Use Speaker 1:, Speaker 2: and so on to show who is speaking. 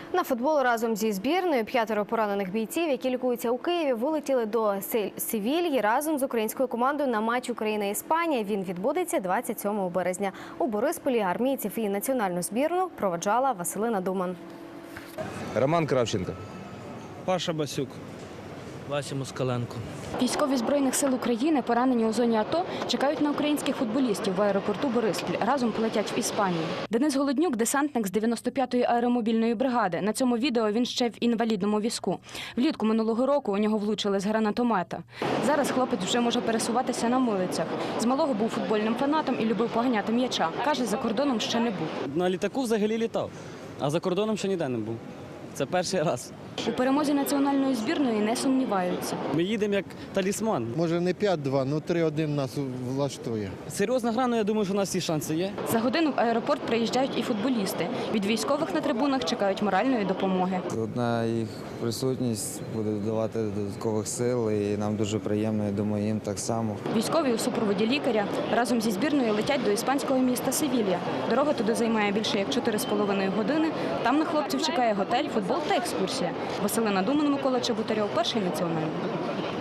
Speaker 1: На футбол разом зі збірною 5 поранених бійців, які лікуються у Києві, вилетіли до Севільї разом з українською командою на матч Україна-Іспанія. Він відбудеться 27 березня. У Борисполі армійців і національну збірну проводжала Василина Думан.
Speaker 2: Роман Кравченко.
Speaker 3: Паша Басюк.
Speaker 4: Вася Москаленко.
Speaker 5: Військові Збройних сил України, поранені у зоні АТО, чекають на українських футболістів в аеропорту Бориспіль. Разом полетять в Іспанію. Денис Голоднюк – десантник з 95-ї аеромобільної бригади. На цьому відео він ще в інвалідному візку. Влітку минулого року у нього влучили з гранатомета. Зараз хлопець вже може пересуватися на милицях. З малого був футбольним фанатом і любив поганяти м'яча. Каже, за кордоном ще не був.
Speaker 6: На літаку взагалі літав, а за кордоном ще ніде не був. Це перший раз.
Speaker 5: У перемозі національної збірної не сумніваються.
Speaker 6: Ми їдемо як талісман.
Speaker 7: Може не 5-2, ну 3-1 нас влаштує.
Speaker 6: Серйозна гра, але я думаю, що у нас всі шанси є.
Speaker 5: За годину в аеропорт приїжджають і футболісти. Від військових на трибунах чекають моральної допомоги.
Speaker 8: Одна їх присутність буде додавати додаткових сил, і нам дуже приємно, я думаю, їм так само.
Speaker 5: Військові у супроводі лікаря разом зі збірною летять до іспанського міста Севілья. Дорога туди займає більше як 4,5 години. Там на хлопців чекає готель, футбол та екскурсія. Василина Думан, Микола Чеботарьов, Перший національний.